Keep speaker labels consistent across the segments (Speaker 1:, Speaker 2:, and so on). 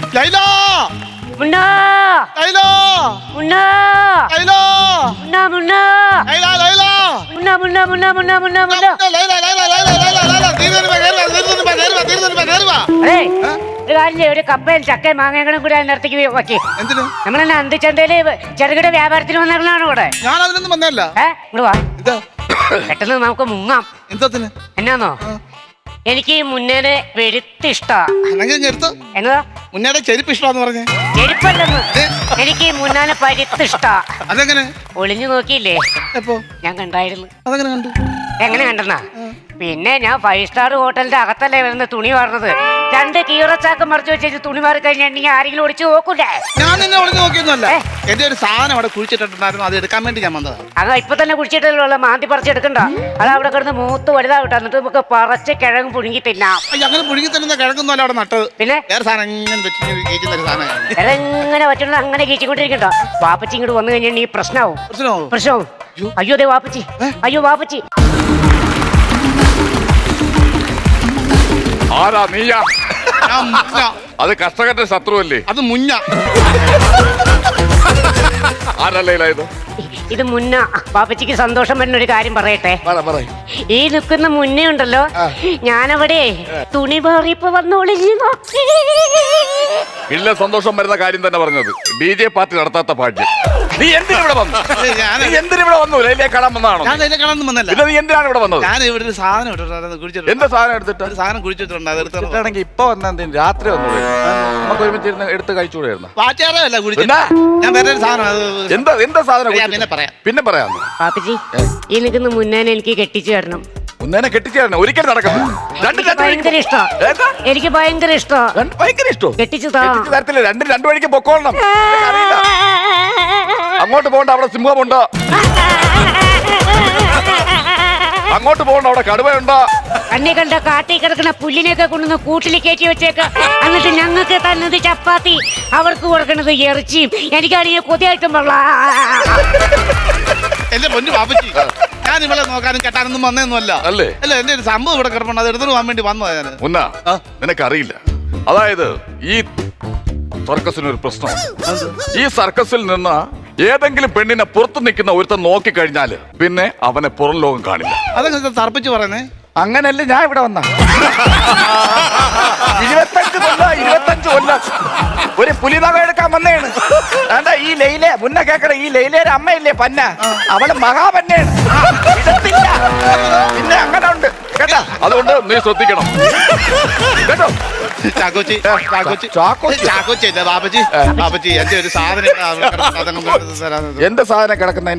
Speaker 1: ലൈല
Speaker 2: മുന്നാ
Speaker 1: ലൈല
Speaker 2: മുന്നാ
Speaker 1: ലൈല
Speaker 2: മുന്നാ മുന്നാ
Speaker 1: ലൈല ലൈല
Speaker 2: മുന്നാ മുന്നാ മുന്നാ മുന്നാ മുന്നാ മുന്നാ
Speaker 1: ലൈല ലൈല ലൈല ലൈല ലൈല തീരുവാ
Speaker 2: അതെ ഒരു കാര്യം ചെയ്യ്, ഒരു കപ്പയും ചക്കയും മാങ്ങകളും കൂടി അതിനടുത്തേക്ക് വെക്കി.
Speaker 1: എന്തിനു
Speaker 2: നമ്മളെന്നെ അന്തിച്ചന്തയില് ചെറുകിട വ്യാപാരത്തിന് വന്നിരുന്നാണ് ഇവിടെ.
Speaker 1: ഞാൻ അതിനൊന്നും വന്നല്ല.
Speaker 2: ഇങ്ങോട്ട് വാ, പെട്ടെന്ന് നമുക്ക് മുങ്ങാം.
Speaker 1: എന്തത്തിന്
Speaker 2: എന്നാന്നോ, എനിക്ക് ഈ മുന്നേനെ വെളുത്തിഷ്ടാ. എന്നതാ
Speaker 1: മുന്നേടെ ചെരുപ്പ് ഇഷ്ടമാന്ന് പറഞ്ഞേ?
Speaker 2: ചെരുപ്പല്ലെന്ന്, എനിക്ക് ഈ മുന്നാനെ പരുത്തിഷ്ടാ.
Speaker 1: അതെങ്ങനെ?
Speaker 2: ഒളിഞ്ഞു നോക്കിയില്ലേ?
Speaker 1: എപ്പോ?
Speaker 2: ഞാൻ കണ്ടായിരുന്നു.
Speaker 1: അതെങ്ങനെ കണ്ടു?
Speaker 2: എങ്ങനെ കണ്ടെന്നാ, പിന്നെ ഞാൻ 5 സ്റ്റാർ ഹോട്ടലിന്റെ അകത്തല്ലേ വരുന്ന തുണി വാർന്നത്. 2 കീറച്ചാക്ക് മറിച്ച് വെച്ച് തുണി മാറി കഴിഞ്ഞിട്ടുണ്ടെങ്കിൽ ആരെങ്കിലും ഒളിച്ചു നോക്കൂലേ?
Speaker 1: ഞാൻ നിന്നെ ഒളിഞ്ഞു നോക്കിയൊന്നുമല്ല. എന്റെ ഒരു സാധനം അവിടെ കുഴിച്ചിട്ടുണ്ടായിരുന്നു, അത് എടുക്കാൻ വേണ്ടി ഞാൻ വന്നതാ.
Speaker 2: അത് ഇപ്പൊ തന്നെ കുഴിച്ചിട്ടുള്ള മാന്തി പറിച്ചെടുക്കണ്ട. അത് അവിടെ കിടന്ന് മൂത്ത് വലുതാവട്ടെ, എന്നിട്ട് നമുക്ക് പറിച്ച് കിഴങ്ങ് പുഴുങ്ങി തിന്നാം.
Speaker 1: അങ്ങനെ പുഴുങ്ങി തരുന്ന കിഴങ്ങൊന്നും അവിടെ നട്ടത്. പിന്നെ വേറെ സാധനം
Speaker 2: എങ്ങനെ പറ്റുന്ന അങ്ങനെ കീച്ചിക്കൊണ്ടിരിക്കണ്ട. വാപ്പച്ചി ഇങ്ങോട്ട് വന്നു കഴിഞ്ഞാൽ ഈ പ്രശ്നമാവും. അയ്യോ അതെ വാപ്പച്ചി, അയ്യോ വാപ്പച്ചി.
Speaker 3: ആരാ നീയാ? അത് കർഷകന്റെ ശത്രുവല്ലേ?
Speaker 1: അത് മുന്ന.
Speaker 3: ആരല്ലേ ഇത്?
Speaker 2: ഇത് മുന്ന. പാപ്പച്ചിക്ക് സന്തോഷം വരുന്ന ഒരു കാര്യം പറയട്ടെ. ഈ നിൽക്കുന്ന മുന്നേ ഉണ്ടല്ലോ, ഞാനവിടെ തുണി മാറിയപ്പോ വന്നോളിഞ്ഞു നോക്കി.
Speaker 3: ഇല്ല, സന്തോഷം വരുന്ന കാര്യം തന്നെ പറഞ്ഞത്. DJ പാർട്ടി നടത്താത്ത ഭാഗ്യം. നീ എന്തിനിവിടെ വന്നു? എന്തിനിവിടെ വന്നു? ലൈലയെ കാണാൻ വന്നതാണോ?
Speaker 1: ഞാൻ ലൈലയെ കാണാൻ വന്നല്ല.
Speaker 3: പിന്നെ നീ എന്തിനാണ് ഇവിടെ വന്നത്?
Speaker 1: ഞാൻ ഇവിടെ ഒരു സാധനം ഇട്ടിട്ടുണ്ട്.
Speaker 3: എന്താ സാധനം എടുത്തിട്ട്?
Speaker 1: സാധനം കുഴിച്ചിട്ടുണ്ട്. അത് എടുത്തിട്ടാണെങ്കിൽ
Speaker 3: ഇപ്പൊ വന്ന രാത്രി വന്നൂടെ? നമുക്ക് ഒരുമിച്ച് എടുത്ത് കഴിച്ചുകൂടായിരുന്നു.
Speaker 1: പാറ്റാറല്ല കുഴിച്ചിട്ട്. ഞാൻ വേറെ ഒരു സാധനം.
Speaker 3: എന്താ സാധനം?
Speaker 1: പിന്നെ പറയാം.
Speaker 2: പാപ്പച്ചി, ഈ നിൽക്കുന്ന മുന്നേനെ എനിക്ക് കെട്ടിച്ചു തരണം.
Speaker 3: മുന്നേനെ കെട്ടിച്ചു തരണം? ഒരിക്കലും നടക്കുന്നു.
Speaker 2: ഭയങ്കര ഇഷ്ടം, എനിക്ക് ഭയങ്കര ഇഷ്ടം.
Speaker 3: ഭയങ്കര ഇഷ്ടം.
Speaker 2: കെട്ടിച്ചു
Speaker 3: തരത്തില്ല. രണ്ടു വഴിക്ക് പൊക്കോളണം. അങ്ങോട്ട് പോകണ്ട, അവിടെ സിംഹമുണ്ടോ? അങ്ങോട്ട് പോകണ്ട, അവിടെ കടുവയുണ്ടോ?
Speaker 2: അന്നെ കണ്ട കാട്ടി കിടക്കുന്ന പുല്ലിനെയൊക്കെ കൊണ്ടുവന്ന് കൂട്ടിൽ കയറ്റി വെച്ചേക്ക. എന്നിട്ട് ഞങ്ങൾക്ക് തന്നത് ചപ്പാത്തി, അവർക്ക് കൊടുക്കുന്നത് ഇറച്ചിയും. എനിക്കാണെങ്കിൽ കൊതിയായിട്ടും
Speaker 1: എന്റെ പൊന്നു പാപ്പച്ചി, ഞാൻ ഇവിടെ നോക്കാനും കെട്ടാനൊന്നും വന്നതൊന്നുമല്ല. അല്ലേ? അല്ല, എന്റെ ഒരു സംഭവം ഇവിടെ കിടപ്പുണ്ട്, അത് എടുത്തു പോകാൻ വേണ്ടി വന്നതാ ഞാൻ.
Speaker 3: മുന്ന, നിനക്കറിയില്ല, അതായത് ഈ സർക്കസിനൊരു പ്രശ്നമാണ്. ഈ സർക്കസിൽ നിന്ന് ഏതെങ്കിലും പെണ്ണിനെ പുറത്തു നിൽക്കുന്ന ഒരുത്തൻ നോക്കിക്കഴിഞ്ഞാല് പിന്നെ അവനെ പുറം ലോകം കാണില്ല.
Speaker 1: അതൊക്കെ തർപ്പിച്ച് പറയുന്നേ.
Speaker 3: അങ്ങനല്ലേ ഞാൻ ഇവിടെ വന്ന 25 കൊല്ലം ഒരു പുലിനക എടുക്കാൻ വന്നേണ്. എന്താ ഈ ലൈലെ മുന്നേ കേക്കട, ഈ ലൈലയുടെ അമ്മയില്ലേ പന്ന, അവള് മഹാപന്നയാണ്. പിന്നെ അങ്ങനെ ഉണ്ട് കേട്ടാ. അതുകൊണ്ട് നീ ശ്രദ്ധിക്കണം കേട്ടോ. എന്റെ സാധനം കിടക്കുന്ന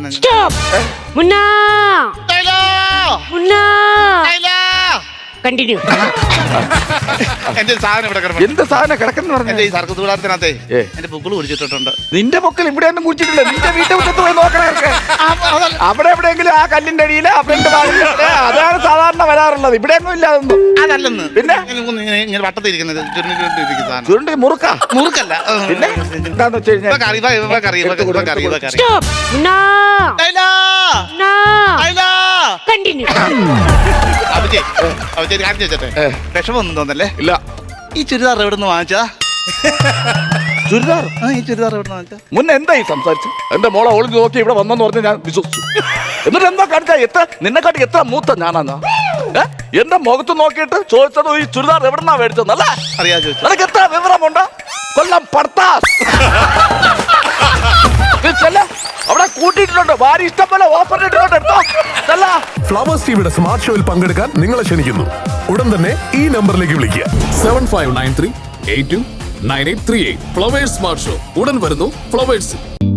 Speaker 2: കണ്ടിന്യൂ.
Speaker 1: എന്റെ സാധനം ഇവിടെ കിടക്കുന്നു.
Speaker 3: എന്ത് സാധനം കിടക്കുന്ന പറഞ്ഞ
Speaker 1: ഈ സർക്കസ് കൂടാരത്തിനകത്തെ എന്റെ പൊക്കിൾ കുടിച്ചിട്ടുണ്ട്.
Speaker 3: നിന്റെ പൊക്കിൽ ഇവിടെ ഒന്നും കുടിച്ചിട്ടില്ല. നിന്റെ വീട്ടിൽ മുറ്റത്ത് പോയി നോക്കണേ. അവിടെ എവിടെയെങ്കിലും ആ കല്ലിന്റെ അടിയില് അതാണ് സാധാരണ വരാറുള്ളത്. ഇവിടെ ഒന്നും ഇല്ല അതൊന്നും.
Speaker 1: അതല്ലെന്ന്. പിന്നെ ഇങ്ങനെ വട്ടത്തിരിക്കുന്നത്
Speaker 3: ചുരുണ്ടി മുറുക്ക.
Speaker 1: മുറുക്കല്ല.
Speaker 3: പിന്നെ എന്താന്ന് വെച്ച് കഴിഞ്ഞാൽ
Speaker 1: വിഷമൊന്നും തോന്നല്ലേ?
Speaker 3: ഇല്ല.
Speaker 1: ഈ ചുരിദാർ എവിടെ നിന്ന് വാങ്ങിച്ചാ?
Speaker 3: ചുരിദാർ?
Speaker 1: ഈ ചുരിദാർ എവിടെ നിന്ന് വാങ്ങിച്ചാ?
Speaker 3: മുന്നേ എന്തായി സംസാരിച്ചു? എന്റെ മോളെ ഒളിഞ്ഞു നോക്കി ഇവിടെ വന്നെന്ന് പറഞ്ഞ് ഞാൻ വിശ്വസിച്ചു. എന്നിട്ട് എന്താ കാണിച്ചാ? നിന്നെക്കാട്ടി എത്ര മൂത്ത ഞാനാ? എന്റെ മുഖത്ത് നോക്കിയിട്ട് ചോദിച്ചത് ഈ ചുരിദാർ എവിടെന്നാ മേടിച്ചതല്ലേ?
Speaker 1: അറിയാ ചോദിച്ചു.
Speaker 3: നിനക്ക് എത്ര വിവരമുണ്ട്? കൊല്ലം പർത്താസ് അവിടെ കൂട്ടിയിട്ടുണ്ട്. ഭാര്യ ഇഷ്ടം പോലെ ഓഫർ ഇട്ടിട്ടുണ്ട്.
Speaker 4: ഫ്ലവേഴ്സ് ടിവിയുടെ സ്മാർട്ട് ഷോയിൽ പങ്കെടുക്കാൻ നിങ്ങളെ ക്ഷണിക്കുന്നു. ഉടൻ തന്നെ ഈ നമ്പറിലേക്ക് വിളിക്കുക.
Speaker 5: 7593829838. ഫ്ലവേഴ്സ് സ്മാർട്ട് ഷോ ഉടൻ വരുന്നു ഫ്ലവേഴ്സ്.